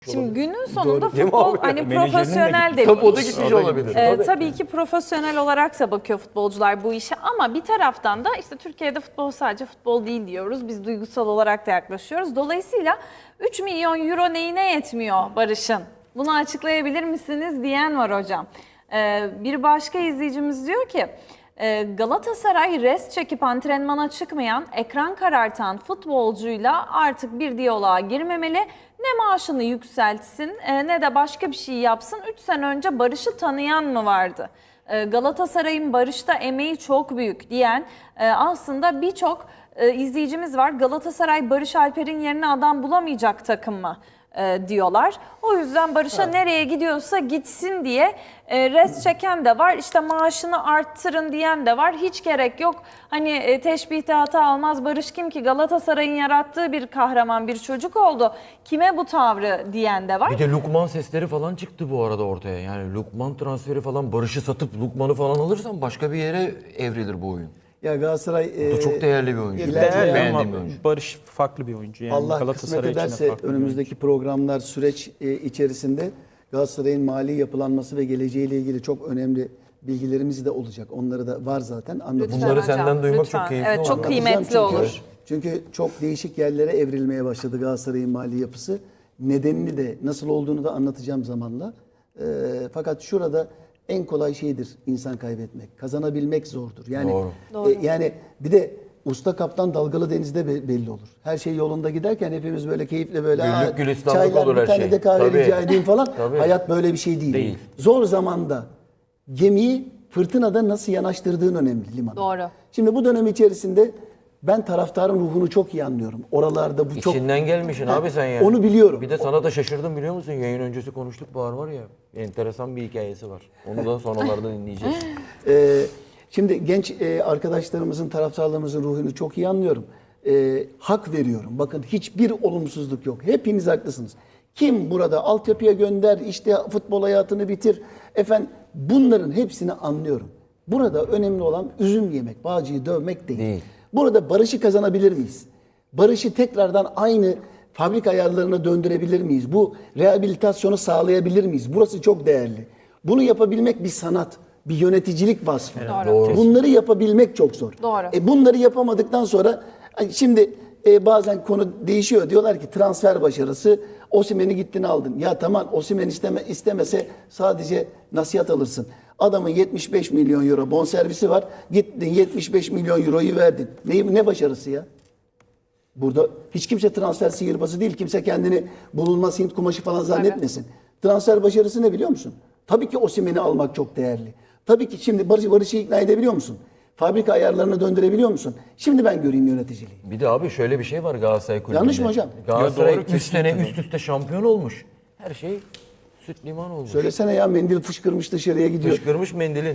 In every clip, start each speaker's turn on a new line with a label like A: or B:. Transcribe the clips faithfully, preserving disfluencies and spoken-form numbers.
A: Şimdi günün sonunda
B: Doğru. Değil mi
A: futbol
B: abi?
A: hani
C: Menajerinin de
A: profesyonel de
B: Tabii o da
A: bir iş.
B: gitmiş olabilir.
A: Ee,
B: Tabii.
A: tabii ki profesyonel olarak da bakıyor futbolcular bu işe ama bir taraftan da işte Türkiye'de futbol sadece futbol değil diyoruz. Biz duygusal olarak da yaklaşıyoruz. Dolayısıyla üç milyon euro neyine yetmiyor Barış'ın? Bunu açıklayabilir misiniz diyen var hocam. Ee, bir başka izleyicimiz diyor ki Galatasaray rest çekip antrenmana çıkmayan, ekran karartan futbolcuyla artık bir diyaloğa girmemeli. Ne maaşını yükseltsin ne de başka bir şey yapsın. üç sene önce Barış'ı tanıyan mı vardı? Galatasaray'ın Barış'ta emeği çok büyük diyen aslında birçok izleyicimiz var. Galatasaray Barış Alper'in yerine adam bulamayacak takım mı? E, diyorlar. O yüzden Barış'a evet. nereye gidiyorsa gitsin diye e, rest çeken de var. İşte maaşını arttırın diyen de var. Hiç gerek yok. Hani e, teşbihte hata almaz. Barış kim ki? Galatasaray'ın yarattığı bir kahraman, bir çocuk oldu. Kime bu tavrı diyen de var.
B: Bir de Lukman sesleri falan çıktı bu arada ortaya. Yani Lukman transferi falan, Barış'ı satıp Lukman'ı falan alırsan başka bir yere evrilir bu oyun.
D: Ya Galatasaray
B: Bu da çok değerli bir oyuncu.
C: Değerli
B: Beğendiğim
C: ama
B: bir oyuncu.
C: Barış farklı bir oyuncu. Yani
D: Allah
C: Galatasaray
D: kısmet
C: için de
D: ederse
C: farklı bir
D: önümüzdeki programlar, süreç e, içerisinde Galatasaray'ın mali yapılanması ve geleceğiyle ilgili çok önemli bilgilerimiz de olacak. Onları da var zaten. Anlatacağım.
B: Bunları
A: hocam,
B: senden duymak
A: lütfen.
B: çok keyifli
A: Evet,
B: olur.
A: çok kıymetli
D: çünkü,
A: olur.
D: Çünkü çok değişik yerlere evrilmeye başladı Galatasaray'ın mali yapısı. Nedenini de nasıl olduğunu da anlatacağım zamanla. E, fakat şurada en kolay şeydir insan kaybetmek. Kazanabilmek zordur. Yani
B: Doğru.
A: Doğru.
D: E, yani bir de usta kaptan dalgalı denizde be- belli olur. Her şey yolunda giderken hepimiz böyle keyifle böyle
B: Güllük
D: "Aa,
B: gülistanlık
D: çaylar
B: olur
D: bir
B: her
D: tane
B: şey."
D: de kahve
B: Tabii.
D: rica edeyim falan.
B: Tabii.
D: Hayat böyle bir şey değil.
B: Değil.
D: Zor zamanda gemiyi fırtınada nasıl yanaştırdığın önemli limana.
A: Doğru.
D: Şimdi bu dönem içerisinde ben taraftarın ruhunu çok iyi anlıyorum. Oralarda bu çok...
B: İçinden gelmişsin
D: Ha,
B: abi sen yani.
D: onu biliyorum.
B: Bir de sana da şaşırdım biliyor musun? Yayın öncesi konuştuk, Bahar var ya. Enteresan bir hikayesi var. Onu da sonralarda dinleyeceğiz.
D: Ee, şimdi genç e, arkadaşlarımızın, taraftarlarımızın ruhunu çok iyi anlıyorum. Ee, hak veriyorum. Bakın hiçbir olumsuzluk yok. Hepiniz haklısınız. Kim burada altyapıya gönder, işte futbol hayatını bitir. Efendim bunların hepsini anlıyorum. Burada önemli olan üzüm yemek, Bağcı'yı dövmek değil.
B: Değil.
D: Burada barışı kazanabilir miyiz? Barışı tekrardan aynı fabrika ayarlarına döndürebilir miyiz? Bu rehabilitasyonu sağlayabilir miyiz? Burası çok değerli. Bunu yapabilmek bir sanat, bir yöneticilik vasfı.
A: Doğru.
B: Doğru.
D: Bunları yapabilmek çok zor.
A: Doğru.
D: E bunları yapamadıktan sonra hani şimdi e, bazen konu değişiyor. Diyorlar ki transfer başarısı, Osimhen'i gittin aldın. Ya tamam, Osimhen isteme, istemese sadece nasihat alırsın. Adamın yetmiş beş milyon euro bonservisi var. Gittin yetmiş beş milyon euroyu verdin. Ne, ne başarısı ya? Burada hiç kimse transfer sihirbazı değil. Kimse kendini bulunmaz Hint kumaşı falan zannetmesin. Evet. Transfer başarısı ne biliyor musun? Tabii ki Osimhen'i almak çok değerli. Tabii ki şimdi Barış, Barış'ı ikna edebiliyor musun? Fabrika ayarlarına döndürebiliyor musun? Şimdi ben göreyim yöneticiliği.
B: Bir de abi şöyle bir şey var Galatasaray kulübünde.
D: Yanlış mı hocam?
B: Galatasaray
C: Ya doğru,
B: üç sene
C: kesinlikle
B: üst üste şampiyon olmuş. Her şey süt liman olmuş.
D: Söylesene ya, mendil fışkırmış dışarıya gidiyor.
B: Fışkırmış mendilin.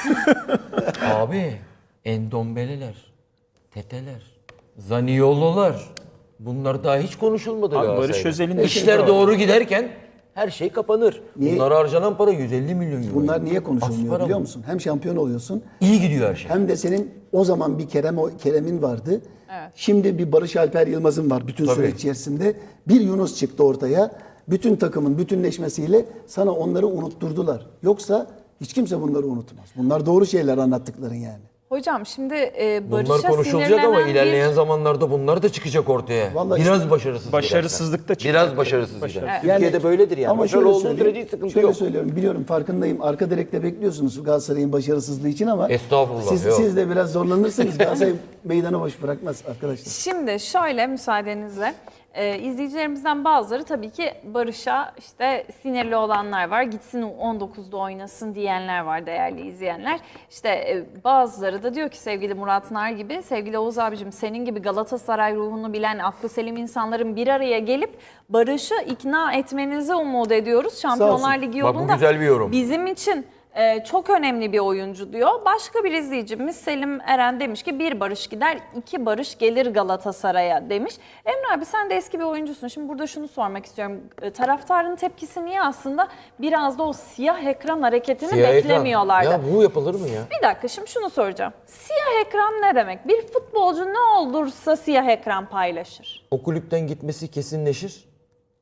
B: Abi endombeleler, teteler, zaniyololar, bunlar daha hiç konuşulmadı
C: Abi
B: Galatasaray'da.
C: Barış Özel'in de
B: İşler
C: şimdi-
B: doğru giderken her şey kapanır.
D: Niye?
B: Bunlara harcanan para yüz elli milyon euro.
D: Bunlar niye
B: Az
D: konuşulmuyor
B: para
D: biliyor
B: bu.
D: musun? Hem şampiyon oluyorsun,
B: İyi gidiyor her şey.
D: hem de senin o zaman bir Kerem Kerem'in vardı. Şimdi bir Barış Alper Yılmaz'ın var bütün
B: Tabii.
D: süreç içerisinde. Bir Yunus çıktı ortaya. Bütün takımın bütünleşmesiyle sana onları unutturdular. Yoksa hiç kimse bunları unutmaz. Bunlar doğru şeyler anlattıkların yani.
A: Hocam şimdi e, Barış'a
B: Bunlar konuşulacak ama
A: sinirlenen
B: ilerleyen
A: bir...
B: zamanlarda bunlar da çıkacak ortaya.
D: Vallahi
B: Biraz
D: işte-
B: başarısız
C: Başarısızlık da
B: gidersen.
C: çıkacak.
B: Biraz başarısız
C: Başarı-
B: gider.
D: Yani-
B: Türkiye'de böyledir yani.
D: Ama
B: Başarılı
D: şöyle
B: olduğu
D: söyleyeyim,
B: sürece hiç sıkıntı
D: şöyle
B: yok.
D: söylüyorum, biliyorum, farkındayım. Arka direkte bekliyorsunuz Galatasaray'ın başarısızlığı için ama
B: Estağfurullah,
D: siz,
B: yok.
D: siz de biraz zorlanırsanız Galatasaray meydanı boş bırakmaz arkadaşlar.
A: Şimdi şöyle müsaadenizle e, izleyicilerimizden bazıları tabii ki Barış'a işte sinirli olanlar var. Gitsin on dokuzda oynasın diyenler var değerli izleyenler. İşte e, bazıları da diyor ki sevgili Murat Nar gibi, sevgili Oğuz abicim senin gibi Galatasaray ruhunu bilen aklı selim insanların bir araya gelip Barış'ı ikna etmenizi umut ediyoruz. Şampiyonlar Ligi
B: Bak bu
A: yolunda
B: güzel bir yorum.
A: bizim için Ee, çok önemli bir oyuncu diyor. Başka bir izleyicimiz Selim Eren demiş ki bir Barış gider, iki Barış gelir Galatasaray'a demiş. Emre abi sen de eski bir oyuncusun. Şimdi burada şunu sormak istiyorum. Ee, taraftarın tepkisi niye aslında biraz da o siyah ekran hareketini
B: Siyah ekran.
A: beklemiyorlardı?
B: Ya bu yapılır mı ya?
A: Bir dakika şimdi şunu soracağım. Siyah ekran ne demek? Bir futbolcu ne olursa siyah ekran paylaşır.
B: O kulüpten gitmesi kesinleşir.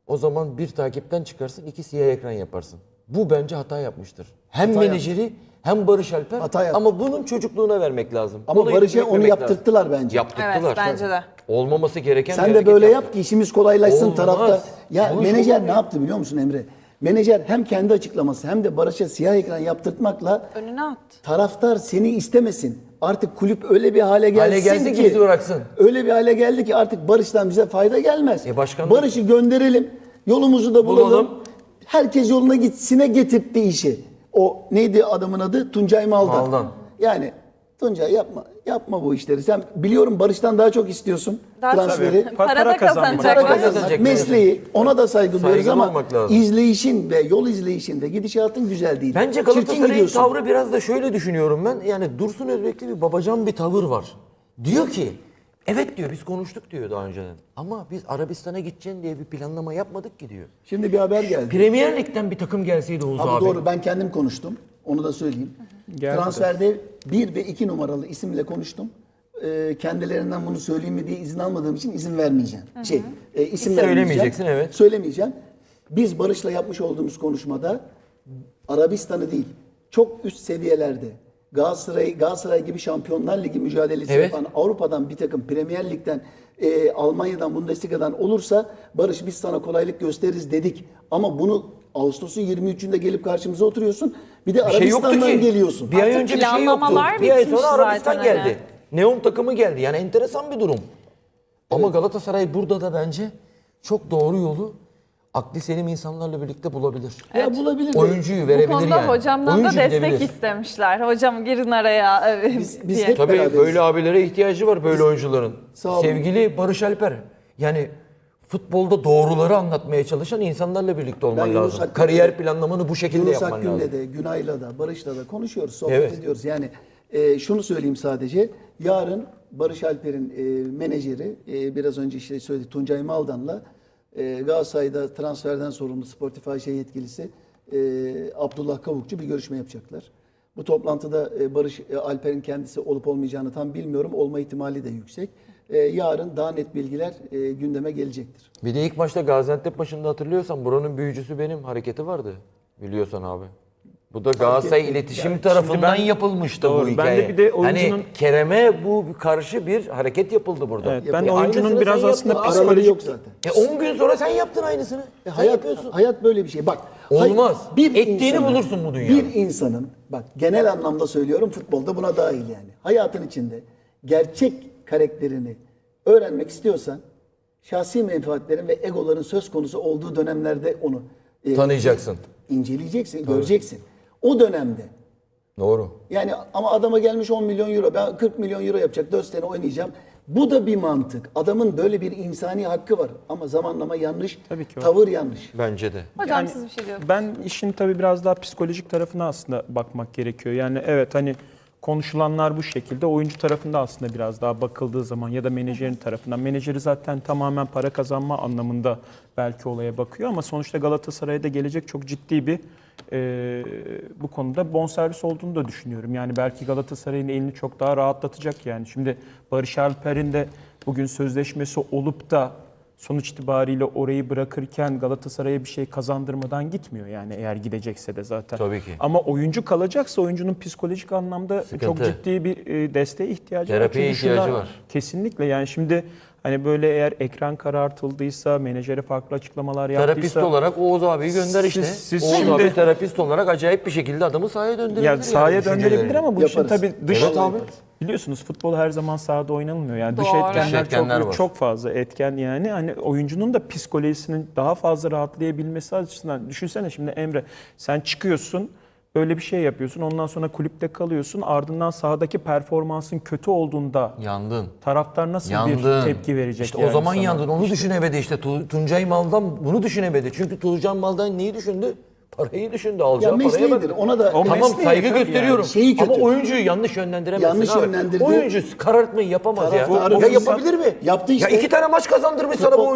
B: O zaman bir takipten çıkarsın, iki siyah ekran yaparsın. Bu bence hata yapmıştır. Hem
D: Hata
B: menajeri hem Barış Alper.
D: Hata yaptı.
B: Ama bunun çocukluğuna vermek lazım.
D: Ama
B: Bunu
D: Barış'a
B: yetmek
D: onu
B: lazım.
D: yaptırttılar bence.
B: Yaptırttılar.
A: Evet, bence de.
B: Olmaması gereken
D: Sen
B: bir
D: de
B: hareket
D: böyle
B: yaptı.
D: yap ki işimiz kolaylaşsın
B: Olmaz.
D: tarafta. Ya
B: Bu iş
D: menajer
B: olmuyor.
D: ne yaptı biliyor musun Emre? Menajer hem kendi açıklaması hem de Barış'a siyah ekran yaptırtmakla
A: Önüne attı.
D: taraftar seni istemesin. Artık kulüp öyle bir hale gelsin,
B: Hale gelsin ki
D: ki
B: bizi bıraksın.
D: öyle bir hale geldi ki artık Barış'tan bize fayda gelmez.
B: E başkan-
D: Barış'ı gönderelim. Yolumuzu da bulalım.
B: Bulalım.
D: Herkes yoluna gitsine getirtti işi. O neydi adamın adı? Tuncay Maldan.
B: Maldan.
D: Yani Tuncay yapma yapma bu işleri. Sen biliyorum Barış'tan daha çok istiyorsun
A: Daha çok-
D: transferi.
C: Tabii.
A: Para,
C: Para
A: da
C: kazanmak.
A: kazanacaklar.
D: Para
B: Kazanacak
D: kazanmak,
B: menajer.
D: mesleği ona da saygı duyuyoruz
B: Saygılı
D: ama
B: olmak lazım.
D: izleyişin ve yol izleyişin ve gidişatın güzel değil.
B: Bence
D: Çirkin
B: Galatasaray'ın
D: gidiyorsun.
B: tavrı biraz da şöyle düşünüyorum ben. Yani Dursun Özbek'te bir babacan bir tavır var. Diyor ki, evet diyor biz konuştuk diyor daha önceden. Ama biz Arabistan'a gideceğin diye bir planlama yapmadık ki diyor.
D: Şimdi bir haber geldi.
B: Premier Lig'den bir takım gelseydi Oğuz
D: Abi,
B: abi.
D: doğru ben kendim konuştum. Onu da söyleyeyim.
C: Geldi.
D: Transferde bir ve iki numaralı isimle konuştum. Ee, kendilerinden bunu söyleyeyim mi diye izin almadığım için izin vermeyeceğim. Şey, e, isim vermeyeceğim.
B: Söylemeyeceksin, evet.
D: Söylemeyeceğim. Biz Barış'la yapmış olduğumuz konuşmada Arabistan'ı değil, çok üst seviyelerde Galatasaray, Galatasaray gibi Şampiyonlar Ligi mücadelesi
B: Evet.
D: yapan Avrupa'dan bir takım Premier Lig'den, e, Almanya'dan, Bundesliga'dan olursa Barış biz sana kolaylık gösteririz dedik. Ama bunu Ağustos'un yirmi üçünde gelip karşımıza oturuyorsun. Bir de
B: Bir şey yoktu
D: Arabistan'dan
B: ki.
D: geliyorsun.
B: Bir ay
A: Artık
B: önce bir şey yoktu.
A: planlamalar
B: Bir ay
A: bitmiş
B: sonra Arabistan
A: zaten hani.
B: geldi. Neon takımı geldi. Yani enteresan bir durum. Ama Galatasaray burada da bence çok doğru yolu akli selim insanlarla birlikte bulabilir.
D: Ya bulabilir de.
B: Oyuncuyu
A: Bu
B: verebilir
A: konuda
B: yani.
A: hocamdan
B: Oyuncu
A: da destek
B: gidebilir.
A: istemişler. Hocam girin araya e,
D: Biz- biz
A: diye.
D: hep-
B: Tabii
D: beraberiz.
B: böyle abilere ihtiyacı var böyle oyuncuların.
D: Sağ olun.
B: Sevgili Barış Alper. Yani futbolda doğruları anlatmaya çalışan insanlarla birlikte olman
D: Ben Yunus
B: lazım.
D: Akgün'le
B: Kariyer
D: de-
B: planlamanı bu şekilde
D: Yunus
B: yapman
D: Akgün'le
B: lazım.
D: de, Günay'la da, Barış'la da konuşuyoruz, sohbet
B: Evet.
D: ediyoruz. Yani e, şunu söyleyeyim sadece. Yarın Barış Alper'in e, menajeri, e, biraz önce işte söyledi Tuncay Maldan'la e, Galatasaray'da transferden sorumlu Sportif A Ş yetkilisi e, Abdullah Kavukçu bir görüşme yapacaklar. Bu toplantıda e, Barış e, Alper'in kendisi olup olmayacağını tam bilmiyorum. Olma ihtimali de yüksek. E, yarın daha net bilgiler e, gündeme gelecektir.
B: Bir de ilk maçta Gaziantep maçında hatırlıyorsan buranın büyücüsü benim hareketi vardı. Biliyorsan abi. Bu da Galatasaray
D: ettim.
B: iletişim
C: Yani
B: tarafından
C: şimdi ben-
B: yapılmıştı
C: Doğru.
B: bu
C: Ben
B: hikaye.
C: de bir de oyuncunun-
B: Hani Kerem'e bu karşı bir hareket yapıldı burada.
C: Evet,
B: E,
C: ben de
B: aynısını
C: oyuncunun
B: sen
C: biraz
B: yaptın.
C: aslında
B: Araları
D: Araları
C: psikolojik-
D: yok zaten.
B: E on gün sonra sen yaptın aynısını.
D: E,
B: Sen
D: hayat,
B: yapıyorsun.
D: hayat böyle bir şey. Bak. hay-
B: Olmaz. Ettiğini bulursun bu dünyada.
D: Bir insanın, bak genel anlamda söylüyorum futbolda buna dahil yani. Hayatın içinde gerçek karakterini öğrenmek istiyorsan şahsi menfaatlerin ve egoların söz konusu olduğu dönemlerde onu e,
B: Tanıyacaksın.
D: inceleyeceksin, göreceksin. O dönemde
B: Doğru.
D: yani ama adama gelmiş on milyon euro, ben kırk milyon euro yapacak, dört sene oynayacağım. Bu da bir mantık. Adamın böyle bir insani hakkı var ama zamanlama yanlış,
C: Tabii ki o.
D: tavır yanlış.
B: Bence de.
A: Hocam
C: Yani
A: siz bir şey diyordunuz.
C: Ben işin tabii biraz daha psikolojik tarafına aslında bakmak gerekiyor. Yani evet hani konuşulanlar bu şekilde, oyuncu tarafında aslında biraz daha bakıldığı zaman ya da menajerin tarafından. Menajeri zaten tamamen para kazanma anlamında belki olaya bakıyor ama sonuçta Galatasaray'a gelecek çok ciddi bir e, bu konuda bonservis olduğunu da düşünüyorum. Yani belki Galatasaray'ın elini çok daha rahatlatacak yani. Şimdi Barış Alper'in de bugün sözleşmesi olup da sonuç itibariyle orayı bırakırken Galatasaray'a bir şey kazandırmadan gitmiyor yani eğer gidecekse de zaten.
B: Tabii ki.
C: Ama oyuncu kalacaksa oyuncunun psikolojik anlamda
B: Sıkıntı.
C: çok ciddi bir e, desteğe ihtiyacı
B: Terapiye
C: var. Çünkü
B: ihtiyacı
C: şuna-
B: var.
C: Kesinlikle yani şimdi hani böyle eğer ekran karartıldıysa, menajere farklı açıklamalar
B: Terapist
C: yaptıysa...
B: olarak Oğuz abiyi gönder işte.
C: Siz- siz
B: Oğuz
C: şimdi-
B: abi terapist olarak acayip bir şekilde adamı sahaya döndürebilir.
C: Ya sahaya
B: yani
C: döndürebilir
B: düşüncelerini.
C: ama bu işin
D: Yaparız.
C: tabii dış
B: Evet abi.
C: biliyorsunuz futbol her zaman sahada oynanmıyor. Yani dış
A: Doğru.
C: etkenler,
B: Dış etkenler
C: çok
B: var.
C: çok fazla etken yani hani oyuncunun da psikolojisinin daha fazla rahatlayabilmesi açısından düşünsene şimdi Emre sen çıkıyorsun böyle bir şey yapıyorsun ondan sonra kulüpte kalıyorsun ardından sahadaki performansın kötü olduğunda
B: Yandın.
C: taraftar nasıl
B: Yandın.
C: bir tepki verecek?
B: İşte
C: yani
B: o zaman
C: sana?
B: yandın. Onu düşünemedi işte. Tu- Tuncay Maldan bunu düşünemedi. Çünkü Tuncay Maldan neyi düşündü? Parayı düşündü. Alacağı
D: Ya
B: paraya
D: mesleğidir.
B: bak.
D: Ona da
C: O
B: Tamam
C: mesleği
B: saygı
C: tabii
B: gösteriyorum.
D: yani. Şeyi kötü.
B: Ama oyuncuyu yanlış yönlendiremezsin
D: Yanlış
B: abi.
D: yönlendirdi.
B: Oyuncu karartmayı yapamaz ya.
D: Taraftarı
B: Ya
D: fırsat-
B: yapabilir mi?
D: Yaptı işte.
B: Ya iki tane maç kazandırmış sana bu oyuncu.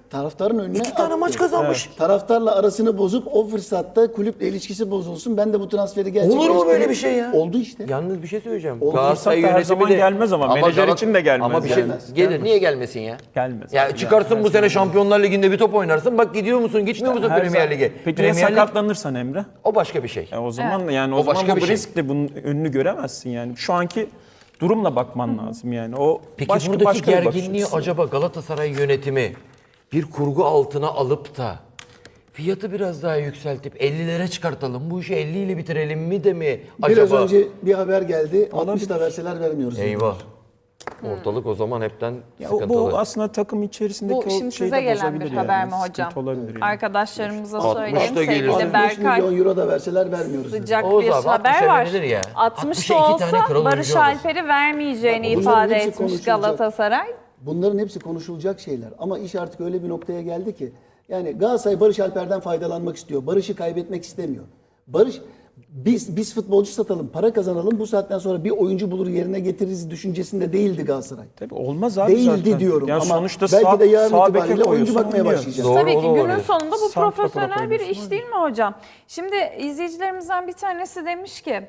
D: Taraftarın önüne
B: İki tane
D: attı.
B: maç kazanmış.
D: Taraftarla arasını bozup o fırsatta kulüple ilişkisi bozulsun. Ben de bu transferi gerçekleştireyim.
B: Olur mu böyle bir şey ya?
D: Oldu işte.
B: Yalnız bir şey söyleyeceğim.
D: O
B: Galatasaray
C: fırsat da her
B: yönetimi
C: zaman
B: de-
C: gelmez ama menajer
B: Galat-
C: için de gelmez
B: Ama bir şey
D: yani.
B: gelir.
D: Gelmez.
B: Niye gelmesin ya?
C: Gelmez.
B: Ya
C: abi,
B: çıkarsın
C: gelmez
B: bu sene
C: yani.
B: Şampiyonlar Ligi'nde bir top oynarsın. Bak gidiyor musun, gitmiyor musun
C: Her
B: Premier
C: zaman-
B: Lig'e?
C: Peki ya
B: Premier Lig
C: sakatlanırsan Emre?
B: o başka bir şey.
C: E o zaman yani o,
B: O
C: zaman
B: başka
C: bu
B: bir şey.
C: riskle bunun önünü göremezsin yani. Şu anki durumla bakman lazım yani. O
B: Peki
C: başka
B: buradaki
C: başka bir bakış
B: gerginliği
C: açısı.
B: acaba Galatasaray yönetimi bir kurgu altına alıp da fiyatı biraz daha yükseltip ellilere çıkartalım, bu işi elli ile bitirelim mi de mi acaba?
D: Biraz önce bir haber geldi. altmış da verseler vermiyoruz.
B: Eyvah. Ortalık o zaman hepten
C: Ya o-
B: sıkıntılı.
C: bu aslında takım içerisindeki
A: Bu
C: o
A: şimdi
C: şeyi
A: size
C: de
A: gelen bir
C: bozabilir
A: haber
C: yani.
A: mi hocam?
C: Sıkıntı olabilir yani.
A: Arkadaşlarımıza
B: altmış
A: söyleyeyim.
B: da gelirse.
A: Sevgili
D: altmış
A: Berkay,
D: milyon euro da verseler vermiyoruz. dedi.
A: sıcak
B: Oğuz
A: bir
B: abi,
A: haber
B: altmışa
A: var.
B: verilir ya.
A: altmış
B: altmışa
A: da
B: iki
A: olsa
B: tane kral
A: Barış
B: oyuncu alır.
A: Alper'i vermeyeceğini
D: Bunların
A: ifade
D: hepsi
A: etmiş
D: konuşulacak.
A: Galatasaray.
D: Bunların hepsi konuşulacak şeyler. Ama iş artık öyle bir noktaya geldi ki. Yani Galatasaray Barış Alper'den faydalanmak istiyor. Barış'ı kaybetmek istemiyor. Barış biz biz futbolcu satalım, para kazanalım. Bu saatten sonra bir oyuncu bulur yerine getiririz düşüncesinde değildi Galatasaray.
C: Tabii olmaz abi
D: Değildi
C: zaten.
D: diyorum
C: Yani
D: ama
C: sonuçta
D: belki
C: sağ,
D: de yarın
C: sağ beke
D: itibariyle oyuncu
C: koyuyorsun,
D: bakmaya
C: oynuyor.
D: başlayacağız.
B: Doğru,
A: Tabii
B: o
A: ki
B: da
A: günün
B: olabilir.
A: sonunda bu
C: Santrafor'a
A: profesyonel bir
C: koyuyorsun,
A: iş değil mi hocam? Şimdi izleyicilerimizden bir tanesi demiş ki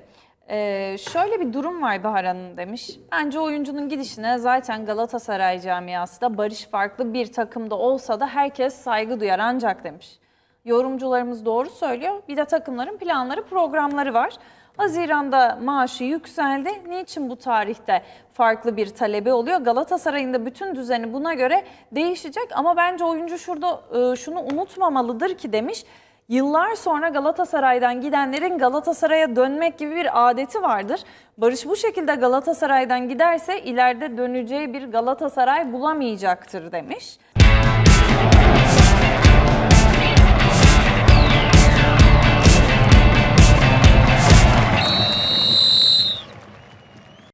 A: e, şöyle bir durum var Bahar Hanım demiş. Bence oyuncunun gidişine zaten Galatasaray camiası da Barış farklı bir takımda olsa da herkes saygı duyar ancak demiş. Yorumcularımız doğru söylüyor. Bir de takımların planları, programları var. Haziran'da maaşı yükseldi. Niçin bu tarihte farklı bir talebi oluyor? Galatasaray'ın da bütün düzeni buna göre değişecek. Ama bence oyuncu şurada e, şunu unutmamalıdır ki demiş. Yıllar sonra Galatasaray'dan gidenlerin Galatasaray'a dönmek gibi bir adeti vardır. Barış bu şekilde Galatasaray'dan giderse ileride döneceği bir Galatasaray bulamayacaktır demiş.